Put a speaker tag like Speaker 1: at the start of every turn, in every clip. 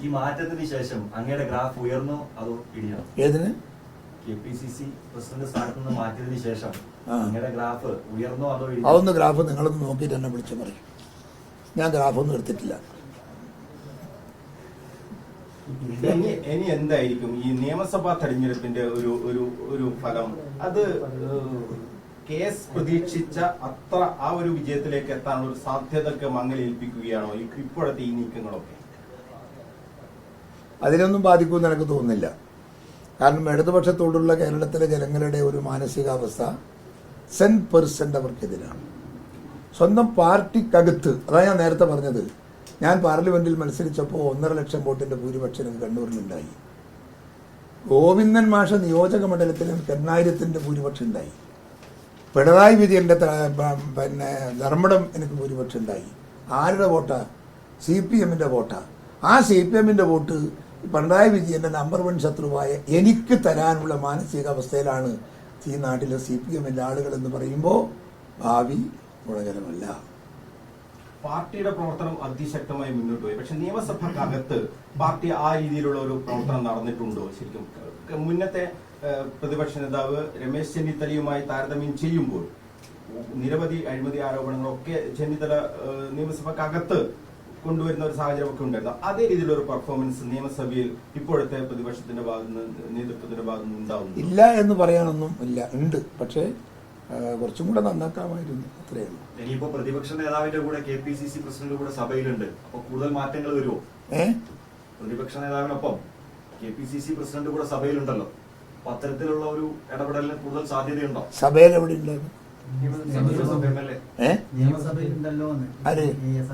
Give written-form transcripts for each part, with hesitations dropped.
Speaker 1: ഈ മാറ്റത്തിന് ശേഷം അങ്ങയുടെ ഗ്രാഫ് ഉയർന്നോ അതോ ഇടിഞ്ഞോ?
Speaker 2: ഏതിന്?
Speaker 1: KPCC പ്രസിഡന്റ് സ്ഥാനത്ത് നിന്ന് മാറ്റിയതിന് ശേഷം അങ്ങയുടെ ഗ്രാഫ് ഉയർന്നോ അതോ ഇടിഞ്ഞോ?
Speaker 2: അതൊന്ന് ഗ്രാഫ് നിങ്ങളൊന്ന് നോക്കിയിട്ട് എന്നെ വിളിച്ചു പറയും. ഞാൻ ഗ്രാഫൊന്നും എടുത്തിട്ടില്ല.
Speaker 3: ഇനി എന്തായിരിക്കും ഈ നിയമസഭാ തെരഞ്ഞെടുപ്പിന്റെ ഒരു ഫലം? അത് കേസ് പ്രതീക്ഷിച്ച അത്ര ആ ഒരു വിജയത്തിലേക്ക് എത്താനുള്ള ഒരു സാധ്യതയൊക്കെ മങ്ങലേൽപ്പിക്കുകയാണോ ഇപ്പോഴത്തെ ഈ നീക്കങ്ങളൊക്കെ?
Speaker 2: അതിനൊന്നും ബാധിക്കുമെന്ന് എനിക്ക് തോന്നുന്നില്ല. കാരണം ഇടതുപക്ഷത്തോടുള്ള കേരളത്തിലെ ജനങ്ങളുടെ ഒരു മാനസികാവസ്ഥ 100% അവർക്കെതിരാണ്. സ്വന്തം പാർട്ടിക്കകത്ത്, അതാണ് ഞാൻ നേരത്തെ പറഞ്ഞത്, ഞാൻ പാർലമെന്റിൽ മത്സരിച്ചപ്പോൾ 1.5 ലക്ഷം വോട്ടിന്റെ ഭൂരിപക്ഷം കണ്ണൂരിലുണ്ടായി. ഗോവിന്ദൻ മാഷ നിയോജക മണ്ഡലത്തിൽ 8000-ന്റെ ഭൂരിപക്ഷം ഉണ്ടായി. പിണറായി വിജയന്റെ ധർമ്മടം എനിക്ക് ഭൂരിപക്ഷം ഉണ്ടായി. ആരുടെ വോട്ടാ? CPM-ന്റെ വോട്ടാ. ആ CPM-ന്റെ വോട്ട് പിണറായി വിജയന്റെ നമ്പർ 1 ശത്രുവായ എനിക്ക് തരാനുള്ള മാനസികാവസ്ഥയിലാണ് ഈ നാട്ടിലെ CPM-ന്റെ ആളുകൾ എന്ന് പറയുമ്പോൾ ഭാവി ഗുണകരമല്ല.
Speaker 3: പാർട്ടിയുടെ പ്രവർത്തനം അതിശക്തമായി മുന്നോട്ട് പോയി. പക്ഷെ നിയമസഭക്കകത്ത് പാർട്ടി ആ രീതിയിലുള്ള ഒരു പ്രവർത്തനം നടന്നിട്ടുണ്ടോ ശരിക്കും? മുന്നത്തെ പ്രതിപക്ഷ നേതാവ് രമേശ് ചെന്നിത്തലയുമായി താരതമ്യം ചെയ്യുമ്പോൾ നിരവധി അഴിമതി ആരോപണങ്ങളൊക്കെ ചെന്നിത്തല നിയമസഭക്കകത്ത് കൊണ്ടുവരുന്ന ഒരു സാഹചര്യമൊക്കെ ഉണ്ടായിരുന്നു. അതേ രീതിയിലുള്ള ഒരു പെർഫോമൻസ് നിയമസഭയിൽ ഇപ്പോഴത്തെ പ്രതിപക്ഷത്തിന്റെ ഭാഗത്തുനിന്ന് നേതൃത്വത്തിന്റെ ഭാഗത്തുനിന്ന് ഉണ്ടാവുന്നു
Speaker 2: ഇല്ല എന്ന് പറയാനൊന്നും ഇല്ല. ഉണ്ട്, പക്ഷേ കുറച്ചും കൂടെ നന്നാക്കാമായിരുന്നു, അത്രയേ ഉള്ളൂ.
Speaker 1: ഇനിയിപ്പോ പ്രതിപക്ഷ നേതാവിന്റെ കൂടെ KPCC പ്രസിഡന്റ് കൂടെ സഭയിലുണ്ട്. അപ്പൊ കൂടുതൽ മാറ്റങ്ങൾ വരുമോ? പ്രതിപക്ഷ നേതാവിനൊപ്പം KPCC പ്രസിഡന്റ് കൂടെ സഭയിലുണ്ടല്ലോ. അപ്പൊ അത്തരത്തിലുള്ള ഒരു ഇടപെടലിന് കൂടുതൽ സാധ്യതയുണ്ടോ?
Speaker 2: സഭയിൽ എവിടെ ഉണ്ടായിരുന്നു? ആര്?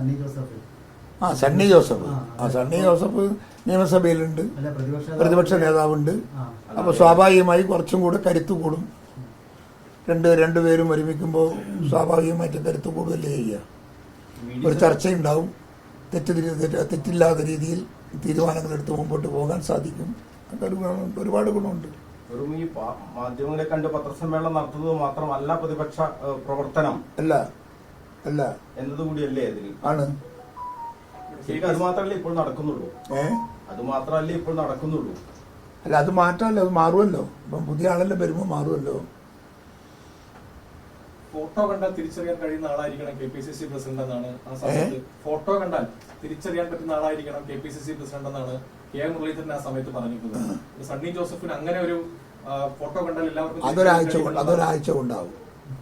Speaker 2: സണ്ണി ജോസഫ്. സണ്ണി ജോസഫ് നിയമസഭയിലുണ്ട്, പ്രതിപക്ഷ നേതാവുണ്ട്. അപ്പൊ സ്വാഭാവികമായി കുറച്ചും കൂടെ കരുത്ത് കൂടും. രണ്ടുപേരും ഒരുമിക്കുമ്പോൾ സ്വാഭാവികമായിട്ട് കരുത്ത് കൂടുതലേ ചെയ്യുക. ഒരു ചർച്ചയുണ്ടാവും. തെറ്റില്ലാത്ത രീതിയിൽ തീരുമാനങ്ങൾ എടുത്ത് മുമ്പോട്ട് പോകാൻ സാധിക്കും. ഒരുപാട് ഗുണമുണ്ട്.
Speaker 3: വെറും ഈ മാധ്യമങ്ങളെ കണ്ട് പത്രസമ്മേളനം നടത്തുന്നത് മാത്രമല്ല പ്രതിപക്ഷ പ്രവർത്തനം
Speaker 2: അല്ല അല്ല
Speaker 3: എന്നതുകൂടിയല്ലേ അതിൽ
Speaker 2: ആണ്.
Speaker 3: ശരിക്കും അത് മാത്രമല്ലേ ഇപ്പോൾ നടക്കുന്നുള്ളൂ? അത് മാത്രമല്ലേ ഇപ്പോൾ നടക്കുന്നുള്ളൂ?
Speaker 2: അല്ല, അത് മാറ്റമല്ലോ, അത് മാറുമല്ലോ. ഇപ്പം പുതിയ ആളെല്ലാം വരുമ്പോൾ മാറുമല്ലോ.
Speaker 4: ഫോട്ടോ കണ്ടാൽ തിരിച്ചറിയാൻ കഴിയുന്ന ആളായിരിക്കണം KPCC പ്രസിഡന്റ് എന്നാണ് ആ സമയത്ത്. ഫോട്ടോ കണ്ടാൽ തിരിച്ചറിയാൻ പറ്റുന്ന ആളായിരിക്കണം KPCC പ്രസിഡന്റ് എന്നാണ് K മുരളീധരൻ ആ സമയത്ത് പറഞ്ഞിരുന്നത്. സണ്ണി ജോസഫിന് അങ്ങനെ ഒരു ഫോട്ടോ കണ്ടാൽ എല്ലാവർക്കും
Speaker 2: അതൊരാഴ്ച കൊണ്ടാവും.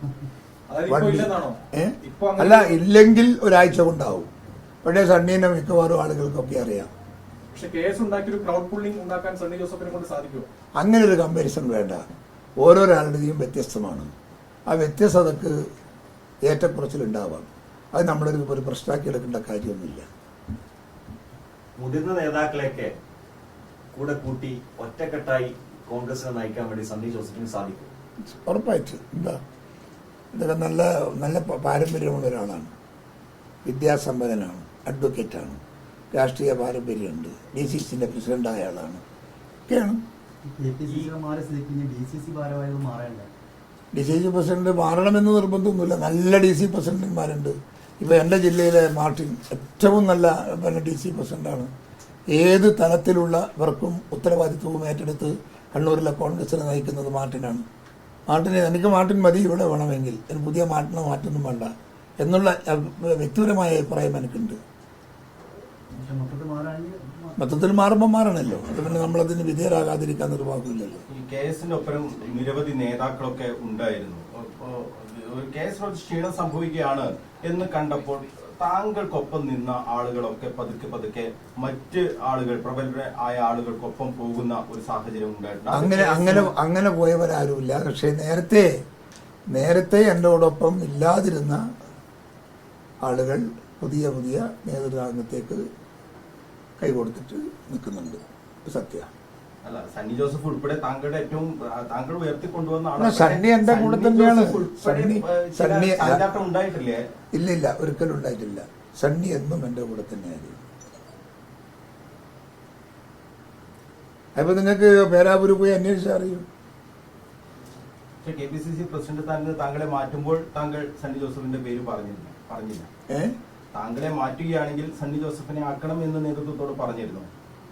Speaker 4: ഇപ്പൊ
Speaker 2: അല്ല, ഇല്ലെങ്കിൽ ഒരാഴ്ച കൊണ്ടാവും. പക്ഷേ സണ്ണീനെ മിക്കവാറും ആളുകൾക്കൊക്കെ അറിയാം.
Speaker 4: പക്ഷെ കേസ് ഉണ്ടാക്കി ഒരു ക്രൗഡ് പുള്ളിംഗ് ഉണ്ടാക്കാൻ സണ്ണി ജോസഫിനെ കൊണ്ട് സാധിക്കുമോ?
Speaker 2: അങ്ങനെ ഒരു കമ്പാരിസൺ വേണ്ട. ഓരോരാളുടെയും വ്യത്യസ്തമാണ്. ആ വ്യത്യസ്തതക്ക് ഏറ്റക്കുറച്ചിലുണ്ടാവാം. അത് നമ്മളൊരു പ്രശ്നമാക്കി എടുക്കേണ്ട കാര്യമൊന്നുമില്ല.
Speaker 1: മുതിർന്ന നേതാക്കളെയൊക്കെ കൂടെ കൂട്ടി ഒറ്റക്കെട്ടായി കോൺഗ്രസിനെ നയിക്കാൻ വേണ്ടി സണ്ണി ജോസഫിന് സാധിക്കും.
Speaker 2: ഉറപ്പായിട്ട്. എന്താ, ഇതൊക്കെ നല്ല നല്ല പാരമ്പര്യമുള്ള ഒരാളാണ്. വിദ്യാസമ്പന്നനാണ്, അഡ്വക്കേറ്റാണ്, രാഷ്ട്രീയ പാരമ്പര്യമുണ്ട്, DCCന്റെ പ്രസിഡന്റായ ആളാണ് ഒക്കെയാണ്. DCC പ്രസിഡന്റ് മാറണമെന്ന് നിർബന്ധമൊന്നുമില്ല. നല്ല DC പ്രസിഡന്റുമാരുണ്ട്. ഇപ്പൊ എൻ്റെ ജില്ലയിലെ മാർട്ടിൻ ഏറ്റവും നല്ല DC പ്രസിഡന്റാണ്. ഏത് തലത്തിലുള്ളവർക്കും ഉത്തരവാദിത്വവും ഏറ്റെടുത്ത് കണ്ണൂരിലെ കോൺഗ്രസിനെ നയിക്കുന്നത് മാർട്ടിനാണ്. എനിക്ക് മാർട്ടിൻ മതി ഇവിടെ വേണമെങ്കിൽ, ഒരു പുതിയ മാറ്റൊന്നും വേണ്ട എന്നുള്ള വ്യക്തിപരമായ അഭിപ്രായം എനിക്കുണ്ട്. മൊത്തത്തിൽ മാറുമ്പോൾ മാറണല്ലോ. അത് പിന്നെ നമ്മളതിന് വിധേയരാകാതിരിക്കാൻ നിർവാഹമില്ലല്ലോ.
Speaker 3: ഈ കേസിന്റെ ഒപ്പം നിരവധി നേതാക്കളൊക്കെ ഉണ്ടായിരുന്നു. കേസിനൊരു ക്ഷീണം സംഭവിക്കുകയാണ് എന്ന് കണ്ടപ്പോൾ താങ്കൾക്കൊപ്പം നിന്ന ആളുകളൊക്കെ പതുക്കെ മറ്റ് ആളുകൾ, പ്രബലരായ ആളുകൾക്കൊപ്പം പോകുന്ന ഒരു സാഹചര്യം ഉണ്ടായിട്ടുണ്ട്.
Speaker 2: അങ്ങനെ പോയവരാരുമില്ല. പക്ഷെ നേരത്തെ എന്നോടൊപ്പം ഇല്ലാതിരുന്ന ആളുകൾ പുതിയ നേതൃരംഗത്തേക്ക് കൈകൊടുത്തിട്ട് നിൽക്കുന്നുണ്ട്. സത്യ
Speaker 3: അല്ല, സണ്ണി ജോസഫ് ഉൾപ്പെടെ താങ്കൾ ഉയർത്തിക്കൊണ്ടുവന്ന
Speaker 2: സണ്ണി എന്റെ കൂടെ തന്നെയാണ്.
Speaker 3: ഉണ്ടായിട്ടില്ലേ?
Speaker 2: ഇല്ല, ഒരിക്കലും ഉണ്ടായിട്ടില്ല. സണ്ണി എന്നും എന്റെ കൂടെ തന്നെയായിരുന്നു. അപ്പൊ നിങ്ങൾക്ക് പേരാപൂര് പോയി അന്വേഷിച്ചാൽ അറിയും.
Speaker 3: KPCC പ്രസിഡന്റ് താങ്കളെ മാറ്റുമ്പോൾ താങ്കൾ സണ്ണി ജോസഫിന്റെ പേര് പറഞ്ഞില്ല. താങ്കളെ മാറ്റുകയാണെങ്കിൽ സണ്ണി ജോസഫിനെ ആക്കണം എന്ന് നേതൃത്വത്തോട് പറഞ്ഞിരുന്നു.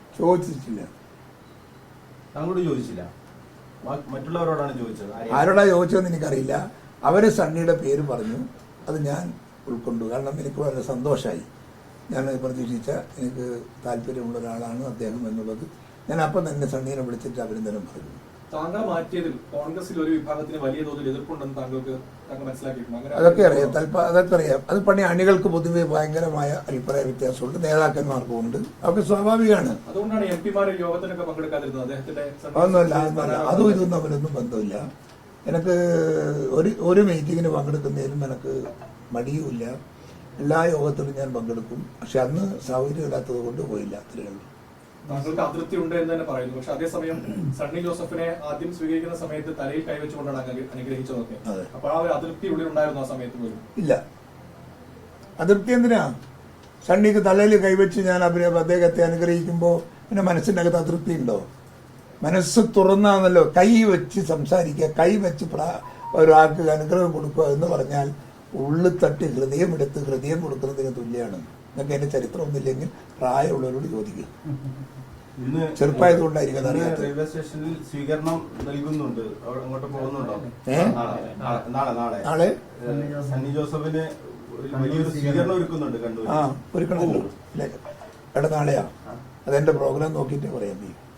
Speaker 2: ചോദിച്ചിട്ടില്ല.
Speaker 3: താങ്കളോട് ചോദിച്ചില്ല, മറ്റുള്ളവരോടാണ് ചോദിച്ചത്.
Speaker 2: ആരോടാ ചോദിച്ചതെന്ന് എനിക്കറിയില്ല. അവര് സണ്ണിയുടെ പേര് പറഞ്ഞു, അത് ഞാൻ ഉൾക്കൊണ്ടു. കാരണം എനിക്ക് വളരെ സന്തോഷമായി. ഞാൻ പ്രതീക്ഷിച്ച, എനിക്ക് താല്പര്യമുള്ള ഒരാളാണ് അദ്ദേഹം എന്നുള്ളത്. ഞാൻ അപ്പം തന്നെ സണ്ണീനെ വിളിച്ചിട്ട് അഭിനന്ദനം പറഞ്ഞു.
Speaker 4: താങ്കൾ മാറ്റിയതിൽ കോൺഗ്രസിൽ ഒരു വിഭാഗത്തിന് വലിയ തോതിൽ എതിർപ്പുണ്ടെന്ന് താങ്കൾ മനസ്സിലാക്കിയിട്ടുണ്ട്?
Speaker 2: അതൊക്കെ അറിയാം, അതൊക്കെ അറിയാം. അത് പണി അണികൾക്ക് പൊതുവെ ഭയങ്കരമായ അഭിപ്രായ വ്യത്യാസമുണ്ട്, നേതാക്കന്മാർക്കും ഉണ്ട്. അതൊക്കെ സ്വാഭാവികമാണ്.
Speaker 4: അതുകൊണ്ടാണ് എം പിമാർ യോഗത്തിനൊക്കെ പങ്കെടുക്കാതിരുന്നത്. അദ്ദേഹത്തിന്റെ
Speaker 2: ഒന്നുമില്ല, അതും ഇതൊന്നും അവരൊന്നും ബന്ധമില്ല. എനിക്ക് ഒരു മീറ്റിങ്ങിന് പങ്കെടുക്കുന്നതിനും എനിക്ക് മടിയുമില്ല. എല്ലാ യോഗത്തിലും ഞാൻ പങ്കെടുക്കും. പക്ഷെ അന്ന് സൗകര്യമില്ലാത്തത് കൊണ്ട് പോയില്ല, അത്രയേ ഉള്ളൂ.
Speaker 4: താങ്കൾക്ക് അതൃപ്തി ഉണ്ട് എന്ന് തന്നെ പറയുന്നു. പക്ഷെ അതേസമയം സണ്ണി ജോസഫിനെ ആദ്യം സ്വീകരിക്കുന്ന സമയത്ത് തലയിൽ കൈവച്ചുകൊണ്ടാണ് അനുഗ്രഹിച്ചതൊക്കെ. അപ്പൊ ആ ഒരു അതൃപ്തി ഉള്ളിൽ ഉണ്ടായിരുന്നു ആ സമയത്ത് പോലും?
Speaker 2: ഇല്ല. അതൃപ്തി എന്തിനാ? സണ്ണിക്ക് തലയിൽ കൈവച്ച് ഞാൻ അദ്ദേഹത്തെ അനുഗ്രഹിക്കുമ്പോൾ പിന്നെ മനസ്സിൻ്റെ അകത്ത് അതൃപ്തി ഉണ്ടോ? മനസ്സ് തുറന്നാണല്ലോ കൈ വെച്ച് സംസാരിക്കുക, കൈ വെച്ച് ഒരാൾക്ക് അനുഗ്രഹം കൊടുക്കുക എന്ന് പറഞ്ഞാൽ ഉള്ളിൽ തട്ടി ഹൃദയമെടുത്ത് ഹൃദയം കൊടുക്കുന്നതിന് തുല്യമാണ്. നിങ്ങൾക്ക് അതിന്റെ ചരിത്രമൊന്നുമില്ലെങ്കിൽ പ്രായമുള്ളവരോട് ചോദിക്കുക. ചെറുപ്പായതുകൊണ്ടായിരിക്കും അറിയാത്തത്.
Speaker 3: റെയിൽവേ സ്റ്റേഷനിൽ സ്വീകരണം നൽകുന്നുണ്ട്, അങ്ങോട്ട് പോകുന്നുണ്ടോ? നാളെ സണ്ണി ജോസഫിന് വലിയൊരു സ്വീകരണം ഒരുക്കുന്നുണ്ട് കണ്ണൂർ.
Speaker 2: ഒരുക്കണമല്ലോ. എവിടെ നാളെയാ? അതെന്റെ പ്രോഗ്രാം നോക്കിയിട്ടേ പറയാം.